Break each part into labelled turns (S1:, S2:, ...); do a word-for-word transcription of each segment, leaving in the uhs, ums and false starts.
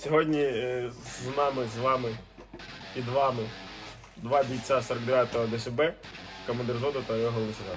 S1: Сьогодні е, з нами, з вами, під вами два бійця сорок дев'ятого ДШБ, командир взводу та його головний.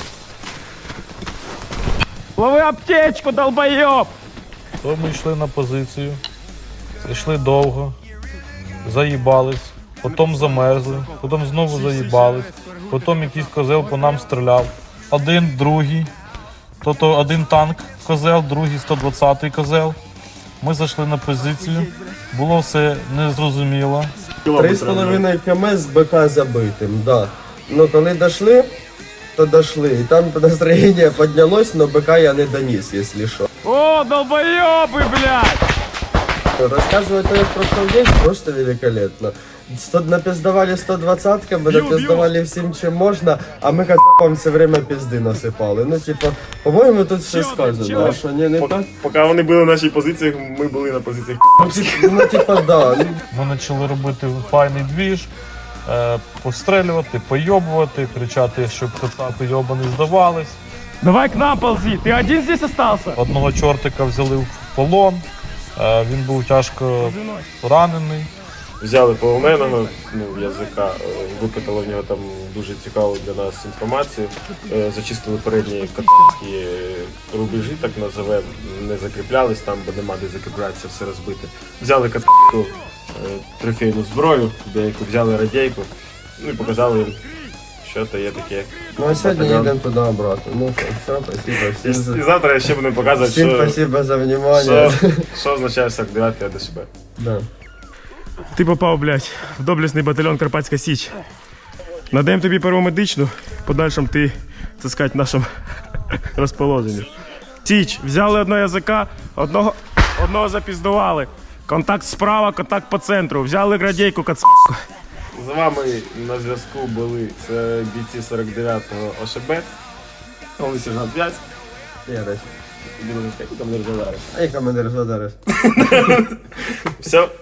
S2: Лови аптечку, долбойоб!
S3: То ми йшли на позицію, йшли довго, заїбались, потім замерзли, потім знову заїбались, потім якийсь козел по нам стріляв. Один, другий, тобто один танк козел, другий сто двадцятий козел. Ми зайшли на позицію, було все незрозуміло.
S4: Три з половиною км з БК забитим, да. Ну коли дошли, то дошли. І там настроєння піднялось, но БК я не доніс, якщо що.
S2: О, долбоёбы, блядь!
S4: Рассказывать то, як прошел день, просто великолепно. Сто, напиздавали сто двадцатками, напиздавали всім, чим можна, а ми хацапам все время пизди насипали. Ну, типа, по-моєму, тут все сказано, а що ні, не так?
S1: Поки вони були на нашій позиції, ми були на позиціях.
S4: Ну, типа, да. Ну,
S3: Ми почали робити файний двіж, е, пострілювати, пойобувати, кричати, щоб кацапи йобані здавались.
S2: Давай к нам ползи, ты один здесь остался?
S3: Одного чортика взяли в полон, е, він був тяжко ранений.
S1: Взяли полоненого, ну, язика, е, викатали в нього там дуже цікаву для нас інформацію, е, зачистили передні катарські рубежі, так називаємо, не закріплялись там, бо нема де закріплятися, все розбите. Взяли катарську е, трофейну зброю, деяку взяли радійку, ну і показали їм, що то є таке.
S4: ну а сьогодні їдемо туди обратно. Ну, все, спасибо.
S1: І,
S4: Всім,
S1: і завтра я ще буду показувати,
S4: всім
S1: що,
S4: спасибо за внимание.
S1: що, що означає сорок дев'ятий ДШБ.
S4: Да.
S2: Ти попав, блядь, в доблесний батальйон Карпатська Січ. Надаємо тобі перву медичну, в подальшому ти, так сказати, в нашому розположенні. Січ, взяли одного язика, одного, одного запіздували. Контакт справа, контакт по центру. Взяли градійку, кацапку.
S1: З вами на зв'язку були це бійці сорок дев'ятого ОШБ, головний сержант п'ять,
S4: Я десь.
S1: командир Задариш.
S4: А я командир Задариш.
S1: Все.